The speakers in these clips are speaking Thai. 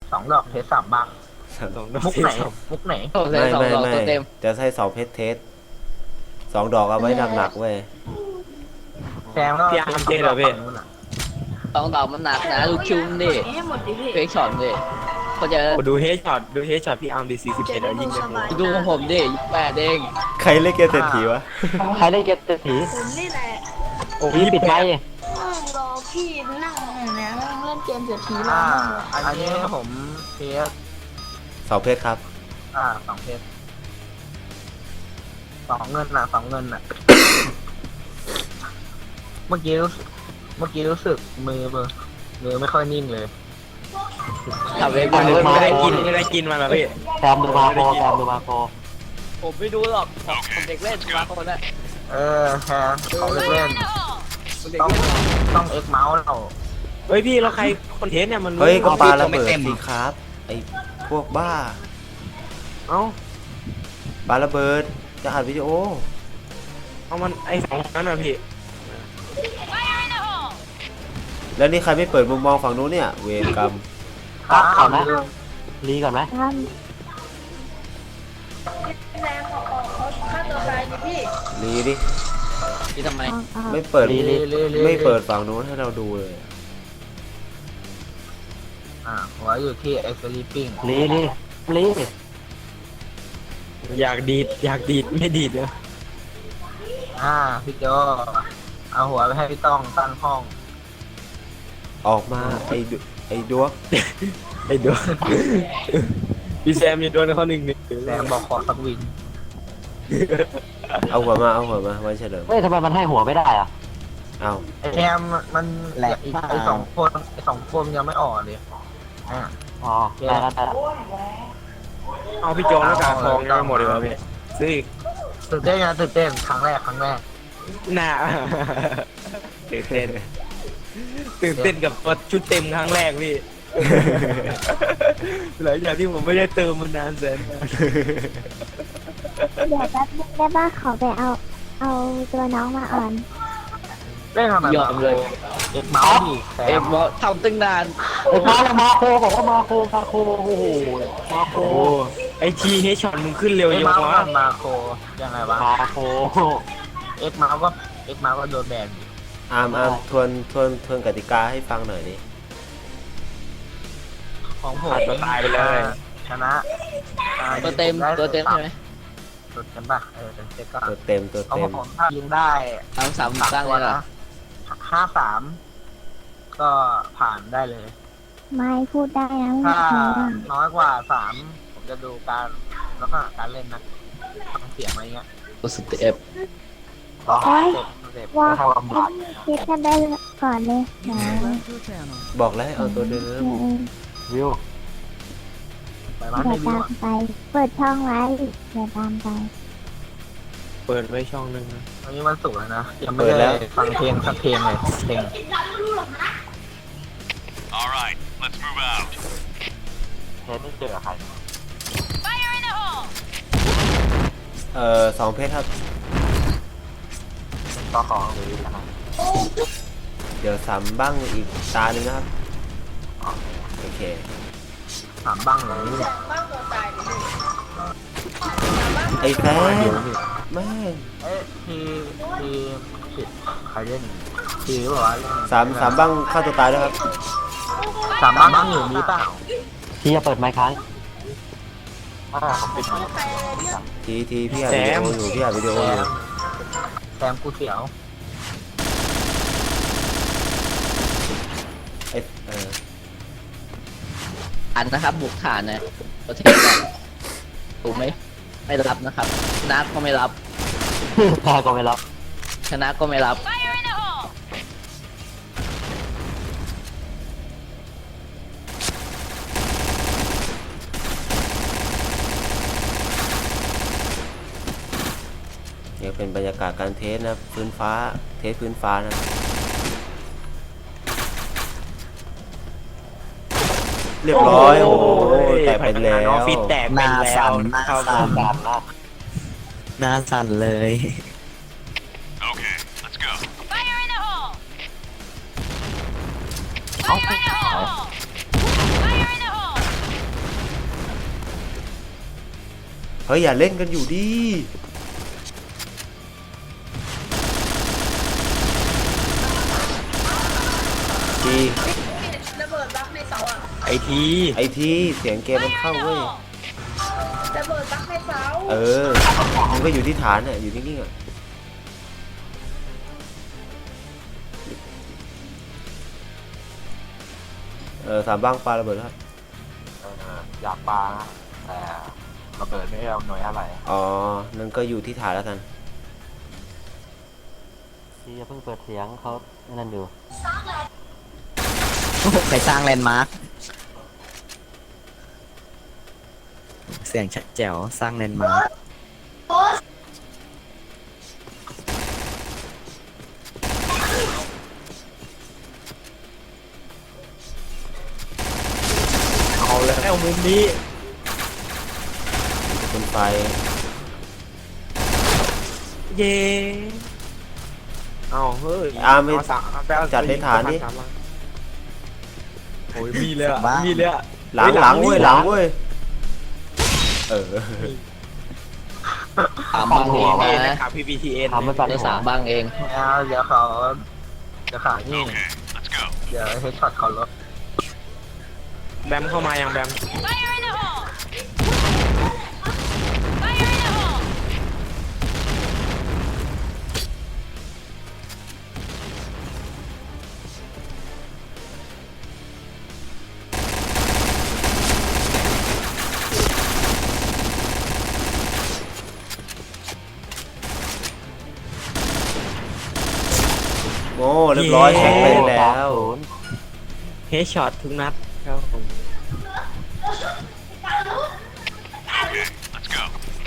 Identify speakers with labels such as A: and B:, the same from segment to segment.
A: 2 ดอกเทส3 บังมุกไหนมุกไหน
B: โอ้เลย2 ดอกตัวเต็ม
C: จะใช้2 เพชรเทส2 ดอกเอาไว้หนักๆเว้ย
A: แซมก็
D: พี่อาร์มเจเหรอพี่
A: ฝั่งนู้นอะ
B: 2 ดอกมันหนักนะลูกชุมดิ
E: ให้หมดดิพี่
B: เฟกช็อตดิก็จะ
D: โอ้ดูเฮดช็อตพี่อาร์มดี41แล้วยิงเลย
B: ดูของผมดิ8เอง
C: ใครเล่นเกมเศรษฐีวะ
F: ใครได้เก็บเศรษฐี
E: ผมนี่แหละ
D: โอ้
F: พี่ปิดไมค์
E: นั่งรอพี่นั่งเนี่ยนั่งเล่นเกมเศรษฐีรอ
A: อ่า
E: นั่ง
A: อันนี้ผมเทส
C: 2 เพชรครับ
A: 2 เทส2 เงินน่ะ2 เงินน่ะ เมื่อกี้รู้สึกมือไม่ค่อยนิ่งเลย
B: ทำเอง
D: ไม่ได้กินมาแล้วพี่
F: แซมดูมาโคแซมดูมาโค
B: ผมไม่ดูหรอกผมเด็กเล่นมาคนน่ะ
A: แทนเขาเล่น
B: ผมเด็ก
A: ต้อง
B: เล่น
A: ต้องเอ็กเมาส์เรา
D: เฮ้ยพี่แล้วใครคอนเทนต์เนี่ยมัน
C: เฮ้ยก็ปาระ
B: ไม่
C: เบิด
B: เต็ม
C: สิครับ ไอ้พวกบ้า
D: เอ้า
C: ปาระเบิดจะอัดวิดีโอ
D: เอามันไอ้2นั้นน่ะพี่
C: แล้วนี่ใครไม่เปิดมุมมองฝั่งนู้นเนี่ย เวรกรรม
F: ก่อนไหมรีก่อนไหม
E: แรงออกเขาฆ่าตัวตายดิพี่
C: รีดิ
B: ที่ทำไม
C: ไม่เปิด
A: ลี
C: ไม่เปิดฝั่งนู้นให้เราดูเลย
A: หัวอยู่ที่ไอ้สลีปปิ้ง
F: รี
D: อยากดีดไม่ดีดเลย
A: พี่โจเอาหัวไปให้พี่ต้องตั้งห้อง
C: ออกมาไอ้ดวก
D: ไอ้ดู พี่แซมอย่าโดนเขา1-1
A: แซมบอกขอสักวิน
C: เอาหัวมาไว้เฉลิม
F: เฮ้ยทำไมมันให้หัวไม่ได้อ่ะ
C: เอา
A: ไอ้แซมมันอีกไอ้2 คนยังไม่ออกเลย
F: อ๋อได้แล้ว
D: เอาพี่โจแล้วกาทองยังไม่หมดเลยวะพี่ซื้ออีก
A: ตื่นเต้นนะตื่นเต้นครั้งแรก
D: น่าตื่นเต้นกับตัวชุดเต็มครั้งแรกพี่ หลังจากที่ผมไม่ได้เติมมานานแสนนาน
G: เดี๋ยวแป๊บนึงได้ป่ะขอไปเอาตัวน้องมาอ่อน
A: เล่นทำไม
B: ยอมเลย
A: เอ็กเมาส์ดิแซ
B: เอ็
A: ม
B: มบอกทำตั้งนาน
F: ไอ้มาโคบอกว่ามาโคโอ้โหมาโค
D: โอ้ไอทีเฮช็อตมึงขึ้นเร็ว
A: เอ็ก
D: ยัง
A: เมาส์
D: วะ
A: มันมาโคยังไงวะ
F: มาโค
A: เอ็กเมาส์ก็โดนแบนดิ
C: อามทวนกติกาให้ฟังหน่อยดิ
A: ของผม
D: ขาดตัวตายไปเลย
A: ชนะ
B: ตัวเต็มใช่ไหม
A: ตัวเต็มป่ะเต็มก็
C: ตัวเต็ม
A: ของผมถ้ายิงได้
B: เอา3ตั้งเลยเหรอ
A: 53ก็ผ่านได้เลย
G: ไม่พูดได้นะไม่
A: ถ้า
G: ใช่ว่า
A: น้อยกว่า 3ผมจะดูการลักษณะการเล่นนะทำเสียงอะไรเงี้ย
B: ตัวสเต็ป
A: เต็ป
G: ว่า
A: เข้าลำบาก
G: คิดกันได้ก่อนเลยนะ
C: บอกแล้วให้เอาตัวเดิม
F: วิว
A: ไปร้าน
G: เดี๋
A: ใน
G: ยว
A: วิว
G: ตามไป เปิดช่องไว้เดี๋ยวตามไป
D: เปิดไว้ช่องนึงนะ
A: วันนี้วันศุกร์แล้วนะยังไม่ได้ฟังเพลงสักเพลงเลยเพลง
H: Alright, let's move out.
F: เห็นไม่เจอใคร
C: 2 เพชรครับ
A: ต่อของหรืออะไร
C: เดี๋ยว3 บ้างอีกตาหนึ่งนะครับ โอเค
A: 3 บ้างเหรอนี่
E: บ้างตัวตายดิพี่
C: ไอ้แฟนแม่ง
A: ทีใครเล่นทีหรือเปล่าวะเล่น
C: 3 บ้างฆ่าตัวตายด้วยครับ
A: 3 บ้างอยู่นี้เปล่า
F: พี่จะเปิดไมค์ค้าง
A: ผมปิดมา
C: ทีพี่อัดวิดีโออยู่พี่อัดวิดีโออยู่
A: แซมกูเสียว
C: ไอ้
B: อันนะครับบุกฐานนะประเทศนะถูกไหมไม่รับนะครับชนะก็ไม่รับ
F: แพ้ก็ไม่รับ
B: ชนะก็ไม่รับ
C: เนี่ยเป็นบรรยากาศการเทสนะพื้นฟ้าเทสพื้นฟ้านะเรียบร้อยโอ้โหแตกไปแล้ว
D: ฟิตแตกไปแล้วเข้า
F: หน้าสั่นเลย
H: Okay, let's go.
F: เอา
H: Fire
C: เฮ้ยอย่าเล่นกันอยู่ดิที
E: ระเบิดบั๊กในเสาอ่ะ
D: ไอที
C: ไอทีเสียงเกมมันเข้าเว้ย
E: ระเบิดบั๊กในเสา
C: เออมันก็อยู่ที่ฐานน่ะอยู่นิ่งๆอ่ะสามบ้างปลาระเบิดครับ
A: อยากปลานะแต่ระเบิดไม่เอาหน่วยอะไร
C: อ๋อนั่นก็อยู่ที่ฐานแล้วกัน
F: ที่จะเพิ่งเปิดเสียงเขานั่นอยู่
B: ใครสร้างแลนด์มาร์คเสียงชัดแจ๋วสร้างแลนด์มาร์ค
D: เอาแล้วมุมนี้
C: เป็นไฟ
D: เย่เอาเฮ้ย
C: ไม่
D: เอาสามไปเอา
C: จัดในฐานดิ
D: สามมาโอ้ยมีเลยอะมีเลยอะ
C: หลังเว้ยหลังเว้ยเออ
B: สามบ้างเอง
D: เอ็น
B: นะ
D: นะครับ PPTN
F: ทำไม่ปัด
B: ได้
F: หัว
B: สามบ้างเอง
A: แล้วเดี๋ยวเขานี่
H: Okay, let's go.
A: เดี๋ยวเฮดช็อตเขาลด
D: แบมเข้ามายังแบม
C: โอ้เรียบร้อยแข็งเป็นแล้ว
D: เฮดช็อตทุกนัดครับผม
H: Okay, let's go.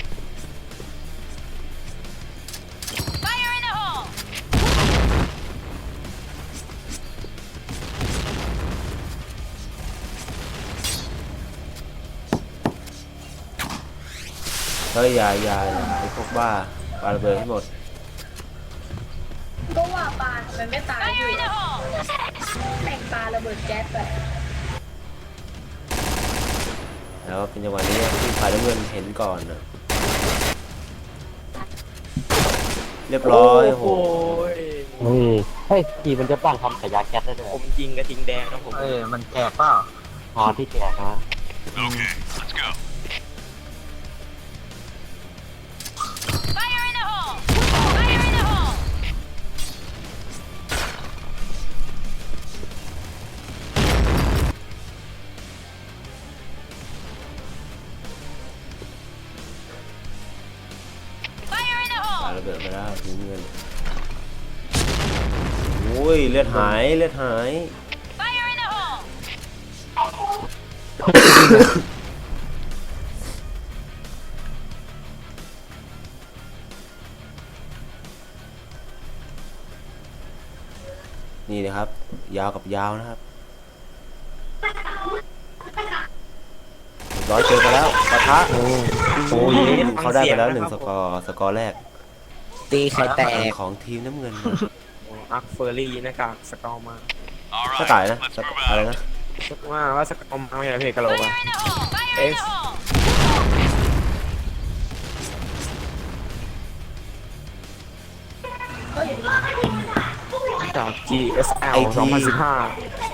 C: เฮ้ยอย่าไอ้พวกบ้าปาระเบิดให้หมด
E: ก็ว่าปลาทำไมไม่ตายอยู่แม่งปลาระเบิดแก๊สไป
C: แล้วเป็นจังหวะนี้ที่ฝ่ายน้ำเงินเห็นก่อนนะเรียบร้อยโห
F: นี่เฮ้ยทีมันจะปั้นทำขยะแก๊สได้ด้วย
D: ผมจริงกระทิงแดงนะผม
A: เอ้ยมันแจกเปล่า
F: พอที่แจกนะ
H: Okay, let's go.
I: Fire in the hole! Fire in the hole!
C: ปาระเบิดไปแล้วทีมเงินโอ้ยเลือดหายเลือดหาย
I: Fire in the hole!
C: นี่นะครับ ยาวกับยาวนะครับร้อยเจอกันแล้วปะทะโอ้ยเขาได้ไปแล้ว1 สกอร์แรก
B: ตีไข่แตก
C: ของทีมน้ำเงินนะ
D: อักเฟอร์รี่หน้ากากสกอร์มา
H: All
C: ก็ตาย
H: right,
C: นะ
H: let's move
C: อะไร
H: out.
C: นะ
D: ว่าสกอร์มาไม่ใช่เพจกะโหลกอะ
I: Fire in the hole!
D: X จาก GSL 2015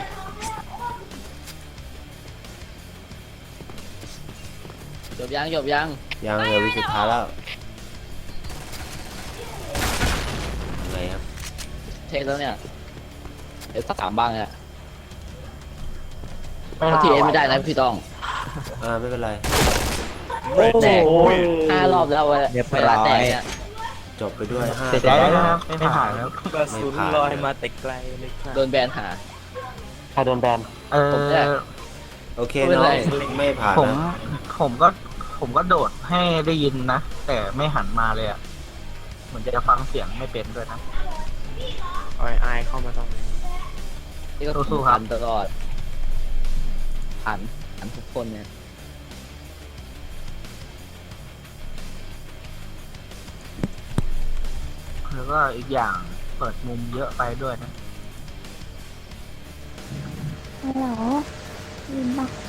B: จบยังจบยัง
C: ยังเหลือวิสุดท้ายแล้วยังไงครับ
B: เทคแล้วเนี่ยเดี๋ยวสักสามบ้างเนี่ย
F: ไม่
B: ทีเอ็นไม่ได้นะพี่ต้อง
C: ไม่เป็นไร
B: แตก5 รอบแล้วเวลาแตกเนี่ย
C: จบไปด้วย5
A: ได้นะครับไม่ผ่านแล้ว
D: กระสุนลอยมาแต่ไกลเลยค่ะ
B: โดนแบนหา
F: ใครโดนแบน
B: ผมเนี่ย
C: โอเค
B: ไม่เป็น
C: เนาะ
B: ไร
C: ไม่ผ่าน
A: ผม
C: นะ
A: ผมก็โดดให้ได้ยินนะ แต่ไม่หันมาเลยอ่ะเหมือนจะฟังเสียงไม่เป็นด้วยนะ
D: อายเข้ามาตรงนี้
B: นี่ก็
A: สู้ๆครับ
B: ผ่านตลอดผ่านทุกคนเนี่ย
A: แล้วก็อีกอย่างเปิดมุมเยอะไปด้วยนะ
G: ฮัลโหลยินปะ